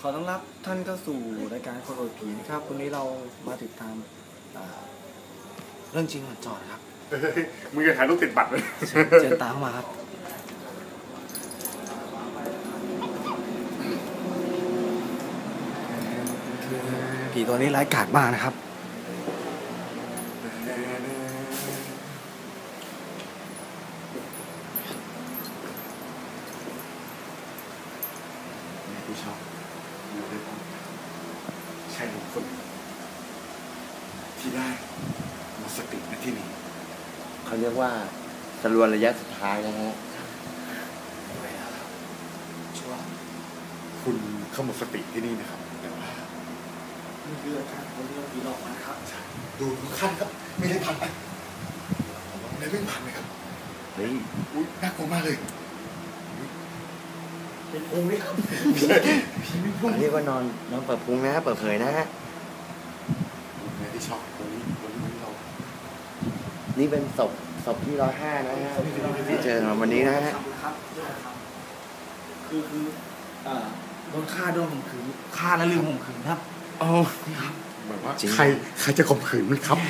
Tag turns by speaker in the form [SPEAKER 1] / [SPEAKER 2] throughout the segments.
[SPEAKER 1] ขอต้อนรับท่านเข้าสู่รายการคนอวดผีนะครับวันนี้เรามาติดตามเรื่องจริงหมดจอดครับ
[SPEAKER 2] มึงจะถ่ายรูปติดบัตรเลย
[SPEAKER 1] เชิญตามมาครับผีตัวนี้ร้ายกาจมากนะครับ
[SPEAKER 2] ผู้ชอบอยู่ด้วยกันใช่คนที่ได้หมดสติในที่นี้
[SPEAKER 3] เขาเรียกว่าสรวนระยะสุดท้ายนะฮะ
[SPEAKER 1] ชัวร์
[SPEAKER 2] คุณเข้าหมดสติที่นี่นะครับแต่ว่า
[SPEAKER 1] นี่คืออาการคนที่เราผีหลอกนะครับ
[SPEAKER 2] ดูขั้นครับไม่ได้ผ่านไปไม่ได้ผ่านไหมครับ
[SPEAKER 3] เฮ้ย
[SPEAKER 2] อุ้ยน่ากลัวมากเลย
[SPEAKER 1] เป็นพุงนี่ครับ
[SPEAKER 3] ผีไม่พุงเรียกว่านอนเปิดพุงนะฮะเปิดเผยนะฮะ
[SPEAKER 2] ที่ชอบวันนี้เรา
[SPEAKER 3] นี่เป็นศพที่105นะฮะที่เจอวันนี้นะฮะ
[SPEAKER 1] คือโดนฆ่าโดนข่มขืนฆ่าแล้วลืมข่มขืนครับ
[SPEAKER 3] โอ้
[SPEAKER 1] ครับ
[SPEAKER 2] แบบว่าใครจะข่มขืนมันครับ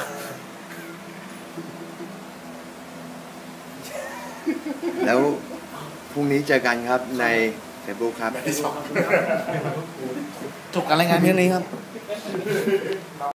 [SPEAKER 3] แล้วพรุ่งนี้เจอกันครับในFacebook ครับ
[SPEAKER 1] จบการรายงานเพียงนี้ครับ